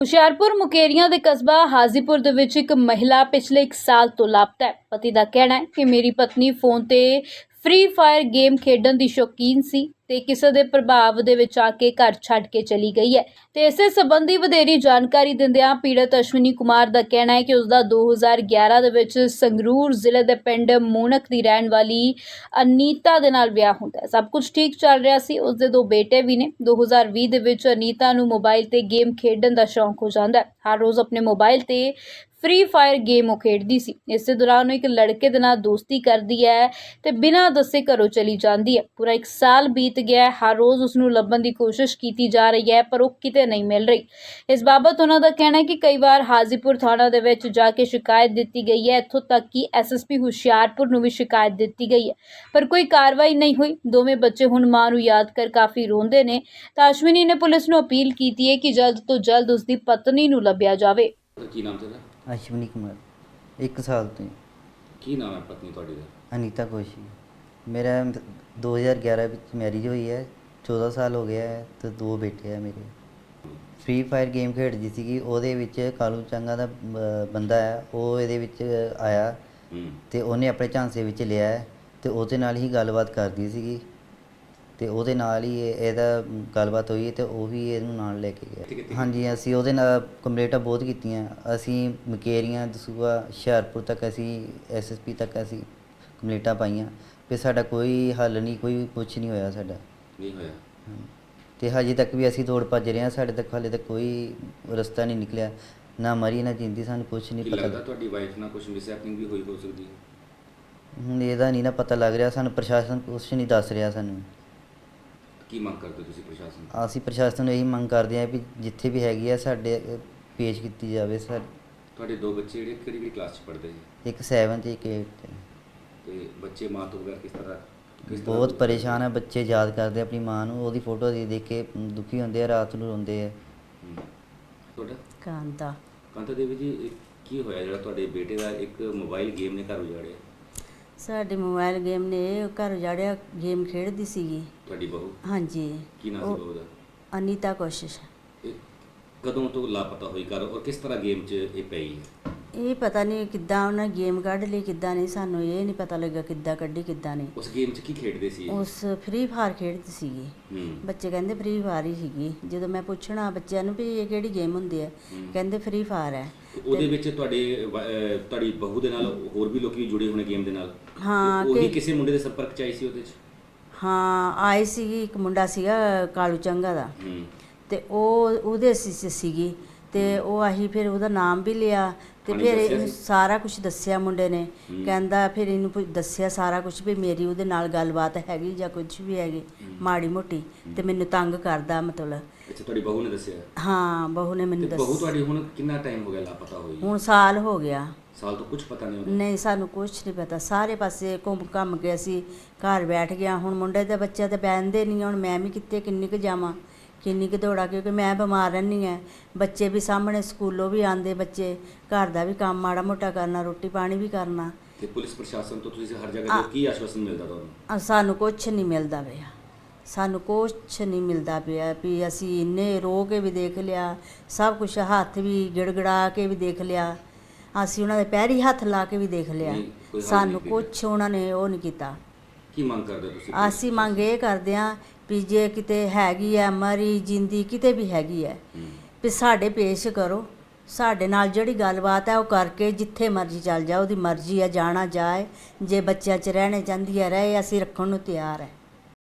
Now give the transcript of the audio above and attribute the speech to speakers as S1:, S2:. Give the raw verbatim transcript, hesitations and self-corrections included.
S1: ਹੁਸ਼ਿਆਰਪੁਰ ਮੁਕੇਰੀਆਂ ਦੇ ਕਸਬਾ ਹਾਜ਼ੀਪੁਰ ਦੇ ਵਿੱਚ ਇੱਕ ਮਹਿਲਾ ਪਿਛਲੇ ਇੱਕ ਸਾਲ ਤੋਂ ਲਾਪਤਾ ਹੈ। ਪਤੀ ਦਾ ਕਹਿਣਾ ਹੈ ਕਿ ਮੇਰੀ ਪਤਨੀ ਫੋਨ ਤੇ ਫ੍ਰੀ ਫਾਇਰ ਗੇਮ ਖੇਡਣ ਦੀ ਸ਼ੌਕੀਨ ਸੀ ਤੇ ਕਿਸੇ ਦੇ ਪ੍ਰਭਾਵ ਦੇ ਵਿੱਚ ਆ ਕੇ ਘਰ ਛੱਡ ਕੇ ਚਲੀ ਗਈ ਹੈ। ਤੇ ਇਸੇ ਸੰਬੰਧੀ ਵਧੇਰੀ ਜਾਣਕਾਰੀ ਦਿੰਦਿਆਂ ਪੀੜਤ ਅਸ਼ਵਨੀ ਕੁਮਾਰ ਦਾ ਕਹਿਣਾ ਹੈ ਕਿ ਉਸ ਦਾ ਦੋ ਹਜ਼ਾਰ ਗਿਆਰਾਂ ਦੇ ਵਿੱਚ ਸੰਗਰੂਰ ਜ਼ਿਲ੍ਹੇ ਦੇ ਪਿੰਡ ਮੂਨਕ ਦੀ ਰਹਿਣ ਵਾਲੀ ਅਨੀਤਾ ਦੇ ਨਾਲ ਵਿਆਹ ਹੁੰਦਾ ਹੈ। ਸਭ ਕੁਝ ਠੀਕ ਚੱਲ ਰਿਹਾ ਸੀ। ਉਸ ਦੇ ਦੋ ਬੇਟੇ ਵੀ ਨੇ। ਦੋ ਹਜ਼ਾਰ ਵੀਹ ਦੇ ਵਿੱਚ ਅਨੀਤਾ ਨੂੰ ਮੋਬਾਈਲ ਤੇ ਗੇਮ ਖੇਡਣ ਦਾ ਸ਼ੌਂਕ ਹੋ ਜਾਂਦਾ ਹੈ। ਹਰ ਰੋਜ਼ ਆਪਣੇ ਮੋਬਾਈਲ ਤੇ ਫ੍ਰੀ ਫਾਇਰ ਗੇਮ ਉਹ ਖੇਡਦੀ ਸੀ। ਇਸੇ ਦੌਰਾਨ ਉਹ ਇੱਕ ਲੜਕੇ ਦੇ ਨਾਲ ਦੋਸਤੀ ਕਰਦੀ ਹੈ ਤੇ ਬਿਨਾਂ ਦੱਸੇ ਘਰੋਂ ਚਲੀ ਜਾਂਦੀ ਹੈ। ਪੂਰਾ ਇੱਕ ਸਾਲ ਬੀਤ ਗਿਆ ਹੈ। ਹਰ ਰੋਜ਼ ਉਸ ਨੂੰ ਲੱਭਣ ਦੀ ਕੋਸ਼ਿਸ਼ ਕੀਤੀ ਜਾ ਰਹੀ ਹੈ ਪਰ ਉਹ ਕਿਤੇ ਨਹੀਂ ਮਿਲ ਰਹੀ। ਇਸ ਬਾਬਤ ਉਹਨਾਂ ਦਾ ਕਹਿਣਾ ਹੈ ਕਿ ਕਈ ਵਾਰ ਹਾਜ਼ੀਪੁਰ ਥਾਣਾ ਦੇ ਵਿੱਚ ਜਾ ਕੇ ਸ਼ਿਕਾਇਤ ਦਿੱਤੀ ਗਈ ਹੈ। ਇੱਥੋਂ ਤੱਕ ਕਿ ਐਸ ਐਸ ਪੀ ਹੁਸ਼ਿਆਰਪੁਰ ਨੂੰ ਵੀ ਸ਼ਿਕਾਇਤ ਦਿੱਤੀ ਗਈ ਹੈ ਪਰ ਕੋਈ ਕਾਰਵਾਈ ਨਹੀਂ ਹੋਈ। ਦੋਵੇਂ ਬੱਚੇ ਹੁਣ ਮਾਂ ਨੂੰ ਯਾਦ ਕਰ ਕਾਫੀ ਰੋਂਦੇ ਨੇ ਤਾਂ ਅਸ਼ਵਨੀ ਨੇ ਪੁਲਿਸ ਨੂੰ ਅਪੀਲ ਕੀਤੀ ਹੈ ਕਿ ਜਲਦ ਤੋਂ ਜਲਦ ਉਸ ਦੀ ਪਤਨੀ ਨੂੰ ਲੱਭਿਆ ਜਾਵੇ।
S2: ਕੀ ਨਾਮ ਤੇਰਾ?
S3: ਅਸ਼ਵਨੀ ਕੁਮਾਰ। ਇੱਕ ਸਾਲ ਤੋਂ।
S2: ਕੀ ਨਾਮ ਹੈ ਪਤਨੀ ਤੁਹਾਡੀ ਦਾ?
S3: ਅਨੀਤਾ ਕੋਸ਼ੀ। ਮੇਰਾ ਦੋ ਹਜ਼ਾਰ ਗਿਆਰਾਂ ਵਿੱਚ ਮੈਰਿਜ ਹੋਈ ਹੈ। ਚੌਦਾਂ ਸਾਲ ਹੋ ਗਿਆ ਹੈ ਤੇ ਦੋ ਬੇਟੇ ਆ ਮੇਰੇ। ਫ੍ਰੀ ਫਾਇਰ ਗੇਮ ਖੇਡਦੀ ਸੀਗੀ। ਉਹਦੇ ਵਿੱਚ ਕਾਲੂ ਚੰਗਾ ਦਾ ਬ- ਬੰਦਾ ਹੈ, ਉਹ ਇਹਦੇ ਵਿੱਚ ਆਇਆ ਤੇ ਉਹਨੇ ਆਪਣੇ ਝਾਂਸੇ ਵਿੱਚ ਲਿਆ ਹੈ ਤੇ ਉਹਦੇ ਨਾਲ ਹੀ ਗੱਲਬਾਤ ਕਰਦੀ ਸੀਗੀ ਤੇ ਉਹਦੇ ਨਾਲ ਹੀ ਇਹ- ਇਹਦਾ ਗੱਲਬਾਤ ਹੋਈ ਤੇ ਉਹ ਵੀ ਇਹਨੂੰ ਨਾਲ ਲੈ ਕੇ ਗਿਆ। ਹਾਂਜੀ, ਅਸੀਂ ਉਹਦੇ ਨਾਲ ਕੰਪਲੇਂਟਾਂ ਬਹੁਤ ਕੀਤੀਆਂ। ਅਸੀਂ ਮੁਕੇਰੀਆਂ, ਦਸੂਹਾ, ਹੁਸ਼ਿਆਰਪੁਰ ਤੱਕ ਅਸੀਂ ਐਸ ਐਸ ਪੀ ਤੱਕ ਅਸੀਂ ਕੰਪਲੇਂਟਾਂ ਪਾਈਆਂ ਤੇ ਸਾਡਾ ਕੋਈ ਹੱਲ ਨਹੀਂ, ਕੋਈ ਕੁਛ ਨਹੀਂ ਹੋਇਆ ਸਾਡਾ।
S2: ਨਹੀਂ ਹੋਇਆ
S3: ਤੇ ਹਜੇ ਤੱਕ ਵੀ ਅਸੀਂ ਦੌੜ ਭੱਜ ਰਹੇ ਹਾਂ। ਸਾਡੇ ਤੱਕ ਹਾਲੇ ਤੱਕ ਕੋਈ ਰਸਤਾ ਨਹੀਂ ਨਿਕਲਿਆ, ਨਾ ਮਰੀ ਨਾ ਜਿੰਦੀ। ਸਾਨੂੰ ਕੁਛ ਨਹੀਂ
S2: ਕੀ
S3: ਪਤਾ।
S2: ਲੱਗਦਾ ਤੁਹਾਡੀ ਵਾਈਫ ਨਾਲ ਕੁਝ ਮਿਸਹੈਪਨਿੰਗ ਵੀ ਹੋਈ ਹੋ ਸਕਦੀ ਹੈ?
S3: ਹੁਣ ਇਹਦਾ ਨਹੀਂ ਨਾ ਪਤਾ ਲੱਗ ਰਿਹਾ ਸਾਨੂੰ। ਪ੍ਰਸ਼ਾਸਨ ਕੁਛ ਨਹੀਂ ਦੱਸ ਰਿਹਾ ਸਾਨੂੰ।
S2: ਕੀ ਮੰਗ ਕਰਦੇ ਹੋ ਤੁਸੀਂ ਪ੍ਰਸ਼ਾਸਨ ਤੋਂ?
S3: ਅਸੀਂ ਪ੍ਰਸ਼ਾਸਨ ਨੂੰ ਇਹੀ ਮੰਗ ਕਰਦੇ ਹਾਂ ਵੀ ਜਿੱਥੇ ਵੀ ਹੈਗੀ ਆ ਸਾਡੇ ਅ, ਪੇਸ਼ ਕੀਤੀ ਜਾਵੇ। ਸਰ,
S2: ਤੁਹਾਡੇ ਦੋ ਬੱਚੇ ਜਿਹੜੇ ਕਿਹੜੀ ਕਿਹੜੀ ਕਲਾਸ 'ਚ ਪੜ੍ਹਦੇ ਜੀ?
S3: ਇੱਕ ਸੈਵਨ ਤੇ ਇੱਕ ਏਟ।
S2: ਤੇ ਬੱਚੇ ਮਾਂ ਤੋਂ ਬਗੈਰ ਕਿਸ ਤਰ੍ਹਾਂ ਕਿਸ ਤਰ੍ਹਾਂ
S3: ਬਹੁਤ ਪਰੇਸ਼ਾਨ ਆ ਬੱਚੇ। ਯਾਦ ਕਰਦੇ ਆਪਣੀ ਮਾਂ ਨੂੰ। ਉਹਦੀ ਫੋਟੋ ਦੇਖ ਦੇਖ ਕੇ ਦੁਖੀ ਹੁੰਦੇ ਆ, ਰਾਤ ਨੂੰ ਰੋਂਦੇ ਆ।
S2: ਹੂੰ। ਤੁਹਾਡਾ?
S4: ਕਾਂਤਾ।
S2: ਕਾਂਤਾ ਦੇਵੀ ਜੀ, ਇਹ ਕੀ ਹੋਇਆ ਜਿਹੜਾ ਤੁਹਾਡੇ ਬੇਟੇ ਦਾ ਇੱਕ ਮੋਬਾਈਲ ਗੇਮ ਨੇ ਘਰ ਉਜਾੜਿਆ?
S4: ਸਾਡੇ ਮੋਬਾਈਲ ਗੇਮ ਨੇ ਇਹ ਘਰ ਉਜਾੜਿਆ। ਗੇਮ ਖੇਡਦੀ ਸੀਗੀ।
S2: ਤੁਹਾਡੀ ਬਹੂ?
S4: ਹਾਂਜੀ।
S2: ਕੀ ਨਾਮ
S4: ਉਹ
S2: ਸੀ ਬਹੂ ਦਾ?
S4: ਅਨੀਤਾ ਕੋਸ਼ਿਸ਼।
S2: ਇਹ ਕਦੋਂ ਤੋਂ ਲਾਪਤਾ ਹੋਈ ਘਰ ਔਰ ਕਿਸ ਤਰ੍ਹਾਂ ਗੇਮ 'ਚ ਇਹ ਪਈ ਹੈ?
S4: ਇਹ ਪਤਾ ਨਹੀਂ ਕਿੱਦਾਂ ਉਹਨਾਂ ਗੇਮ ਕੱਢ ਲਈ, ਕਿੱਦਾਂ ਨਹੀਂ। ਸਾਨੂੰ ਇਹ ਨਹੀਂ ਪਤਾ ਲੱਗਾ ਕਿੱਦਾਂ ਕੱਢੀ ਕਿੱਦਾਂ ਨਹੀਂ।
S2: ਉਸ ਗੇਮ 'ਚ ਕੀ ਖੇਡਦੇ ਸੀ ਇਹ?
S4: ਉਸ ਫ੍ਰੀ ਫਾਇਰ ਖੇਡਦੀ ਸੀਗੀ।
S2: ਹੂੰ।
S4: ਬੱਚੇ ਕਹਿੰਦੇ ਫ੍ਰੀ ਫਾਇਰ ਹੀ ਸੀਗੀ। ਜਦੋਂ ਮੈਂ ਪੁੱਛਣਾ ਬੱਚਿਆਂ ਨੂੰ ਵੀ ਇਹ ਕਿਹੜੀ ਗੇਮ ਹੁੰਦੀ ਹੈ,
S2: ਹੂੰ।
S4: ਕਹਿੰਦੇ ਫ੍ਰੀ ਫਾਇਰ ਹੈ।
S2: ਉਹਦੇ ਵਿੱਚ ਤੁਹਾਡੇ ਵ- ਅਹ ਤੁਹਾਡੀ ਬਹੂ ਦੇ ਨਾਲ ਹੋਰ ਵੀ ਲੋਕੀ ਜੁੜੇ ਹੋਣੇ ਗੇਮ ਦੇ ਨਾਲ?
S4: ਹਾਂ,
S2: ਉਹੀ
S4: ਕਿ-
S2: ਕਿਸੇ ਮੁੰਡੇ ਦੇ ਸੰਪਰਕ 'ਚ ਆਈ ਸੀ ਉਹਦੇ 'ਚ?
S4: ਹਾਂ, ਆਈ ਸੀਗੀ। ਇੱਕ ਮੁੰਡਾ ਸੀਗਾ ਕਾਲੂ ਚੰਗਾ ਦਾ
S2: ਹੂੰ।
S4: ਤੇ ਉਹ ਉਹਦੇ ਸੀ ਸੀ- ਸੀਗੀ ਤੇ ਉਹ ਆਹੀ ਫਿਰ ਉਹਦਾ ਨਾਮ ਵੀ ਲਿਆ ਤੇ
S2: ਉਹਨੇ
S4: ਫਿਰ
S2: ਦੱਸਿਆ
S4: ਇਹਨੂੰ
S2: ਸੀ?
S4: ਸਾਰਾ ਕੁਝ ਦੱਸਿਆ ਮੁੰਡੇ ਨੇ।
S2: ਹੂੰ।
S4: ਕਹਿੰਦਾ ਫਿਰ ਇਹਨੂੰ ਪੁ- ਦੱਸਿਆ ਸਾਰਾ ਕੁਝ ਵੀ ਮੇਰੀ ਉਹਦੇ ਨਾਲ ਗੱਲਬਾਤ ਹੈਗੀ ਜਾਂ ਕੁਝ ਵੀ ਹੈਗੀ
S2: ਹੂੰ।
S4: ਮਾੜੀ ਮੋਟੀ ਤੇ ਮੈਨੂੰ ਤੰਗ ਕਰਦਾ ਮਤਲਬ।
S2: ਅੱਛਾ, ਤੁਹਾਡੀ ਬਹੂ ਨੇ ਦੱਸਿਆ?
S4: ਹਾਂ, ਬਹੂ ਨੇ
S2: ਤੇ
S4: ਮੈਨੂੰ
S2: ਬਹੂ
S4: ਦੱਸ।
S2: ਤੁਹਾਡੀ ਹੁਣ ਕਿੰਨਾ ਟਾਈਮ ਹੋ ਗਿਆ ਲਾਪਤਾ ਹੋਈ?
S4: ਹੁਣ ਸਾਲ ਹੋ ਗਿਆ।
S2: ਸਾਲ ਤੋਂ ਕੁਝ ਪਤਾ ਨਹੀਂ ਹੁੰਦਾ?
S4: ਨਹੀਂ, ਸਾਨੂੰ ਕੁਝ ਨਹੀਂ ਪਤਾ। ਸਾਰੇ ਪਾਸੇ ਘੁੰਮ ਘੰਮ ਕੇ ਅਸੀਂ ਘਰ ਬੈਠ ਗਿਆ। ਹੁਣ ਮੁੰਡੇ ਦੇ ਬੱਚੇ ਤੇ ਬਹਿੰਦੇ ਨਹੀਂ। ਹੁਣ ਮੈਂ ਵੀ ਕਿੱਥੇ ਕਿੰਨੀ ਕੁ ਜਾਵਾਂ, ਕਿੰਨੀ ਕੁ ਦੌੜਾਂ, ਕਿਉਂਕਿ ਮੈਂ ਬਿਮਾਰ ਰਹਿੰਦੀ ਹਾਂ। ਬੱਚੇ ਵੀ ਸਾਹਮਣੇ ਸਕੂਲੋਂ ਵੀ ਆਉਂਦੇ ਬੱਚੇ, ਘਰ ਦਾ ਵੀ ਕੰਮ ਮਾੜਾ ਮੋਟਾ ਕਰਨਾ, ਰੋਟੀ ਪਾਣੀ ਵੀ ਕਰਨਾ।
S2: ਤੇ ਪੁਲਿਸ ਪ੍ਰਸ਼ਾਸਨ ਤੋਂ ਤੁਸੀਂ ਹਰ ਜਗ੍ਹਾ ਤੇ ਕੀ ਆਸ਼ਵਾਸਨ ਮਿਲਦਾ ਤੁਹਾਨੂੰ?
S4: ਅ, ਸਾਨੂੰ ਕੁਛ ਨਹੀਂ ਮਿਲਦਾ ਪਿਆ। ਸਾਨੂੰ ਕੁਛ ਨਹੀਂ ਮਿਲਦਾ ਪਿਆ ਵੀ ਅਸੀਂ ਇੰਨੇ ਰੋ ਕੇ ਵੀ ਦੇਖ ਲਿਆ, ਸਭ ਕੁਝ ਹੱਥ ਵੀ ਗਿੜਗੜਾ ਕੇ ਵੀ ਦੇਖ ਲਿਆ, ਅਸੀਂ ਉਹਨਾਂ ਦੇ ਪੈਰੀ ਹੱਥ ਲਾ ਕੇ ਵੀ ਦੇਖ ਲਿਆ।
S2: ਨਹੀਂ, ਕੋਈ ਹੱਲ
S4: ਸਾਨੂੰ
S2: ਨਹੀਂ
S4: ਕੁਛ ਉਹਨਾਂ ਨੇ ਉਹ ਨਹੀਂ ਕੀਤਾ।
S2: ਕੀ ਮੰਗ ਕਰਦੇ ਹੋ ਤੁਸੀਂ?
S4: ਅਸੀਂ ਮੰਗ ਇਹ ਕਰਦੇ ਹਾਂ ਵੀ ਜੇ ਕਿਤੇ ਹੈਗੀ ਹੈ ਮਰੀ ਜਿੰਦੀ, ਕਿਤੇ ਵੀ ਹੈਗੀ ਹੈ,
S2: ਹੂੰ।
S4: ਵੀ ਸਾਡੇ ਪੇਸ਼ ਕਰੋ। ਸਾਡੇ ਨਾਲ ਜਿਹੜੀ ਗੱਲਬਾਤ ਹੈ ਉਹ ਕਰਕੇ ਜਿੱਥੇ ਮਰਜ਼ੀ ਚੱਲ ਜਾ, ਉਹਦੀ ਮਰਜ਼ੀ ਹੈ, ਜਾਣਾ ਜਾਏ। ਜੇ ਬੱਚਿਆਂ 'ਚ ਰਹਿਣੇ ਚਾਹੁੰਦੀ ਹੈ ਰਹੇ, ਅਸੀਂ ਰੱਖਣ ਨੂੰ ਤਿਆਰ ਹੈ।